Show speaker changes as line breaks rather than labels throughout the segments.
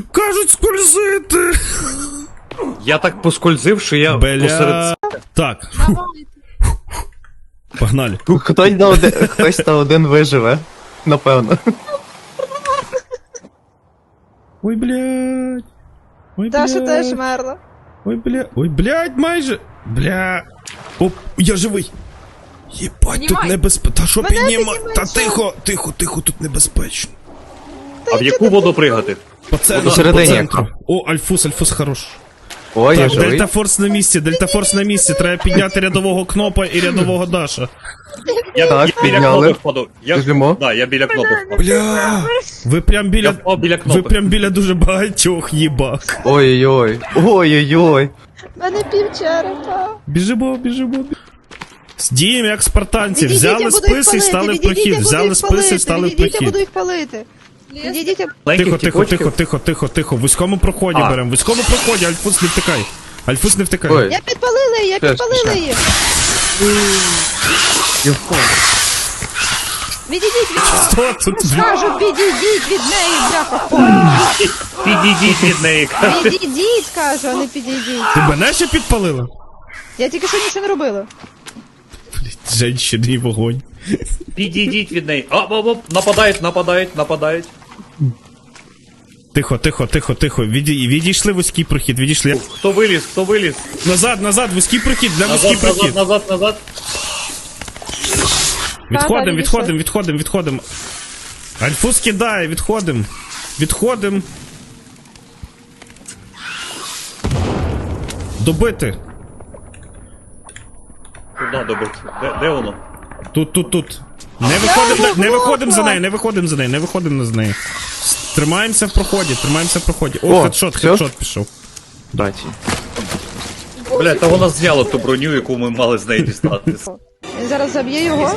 Кажуть, скользити!
Я так поскользив, що я посеред...
Так. Погнали.
Хтось на один виживе. Напевно.
Ой, блядь. Ой,
Даша
блядь.
теж мерла.
Ой, бля. Ой, блядь, майже. Бля. Оп, я живий. Єбать, тут небезпечно. Та що підніма? Та тихо, тут небезпечно.
А в яку воду пригати?
По центру,
Посередині.
по центру. О, Альфус хорош.
Ой, я
Так,
живий.
Дельтафорс на місці, треба підняти рядового Кнопа і рядового Даша.
Я
Так,
біля
підняли.
кнопи впаду.
Біжимо.
Да, я біля кнопи впаду.
Бля, ви прям біля...
Я впав біля
Ви
кнопи.
прям біля дуже багатьох, їбак.
Ой-ой-ой. Ой-ой-ой.
У мене пів черепа.
Біжимо. Діємо як спартанці,
Відійдіть, я
взяли
буду їх
списи і
палити,
стали в
відійдіть,
прохід,
я буду
взяли
їх
списи і
палити,
стали в
відійдіть, я буду
прохід.
їх палити. Відійдіть, я...
Тихо. В вузькому проході
А.
беремо, в вузькому проході, Альфус не втикай. Альфус не втикай.
Ой.
Я підпалила її, її.
Я впав.
Відійдіть від неї.
Що тут?
Скажу, відійдіть від неї, бляха.
Підійдіть від неї.
Відійдіть, кажу, а не підійдіть.
Ти мене ще підпалила?
Я тільки що нічого не робила.
Женщини і вогонь.
Підійдіть від неї. Нападають.
Тихо. Відійшли вузький прохід, відійшли.
Хто виліз?
Назад, вузький прохід, для вузький прохід.
Назад.
Відходимо. Альфус кидає, відходимо. Добити.
Куда добити? Де воно?
Тут. Не виходимо за неї. Тримаємося в проході. О,
О,
хедшот
всьо?
пішов.
Браті.
Бля, та вона зняла ту броню, яку ми мали з неї дістати.
Він зараз заб'є його.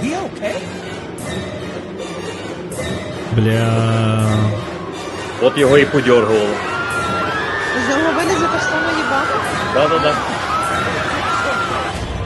Бля.
От його і подьоргувало.
З нього вилізе так само їбати.
Да.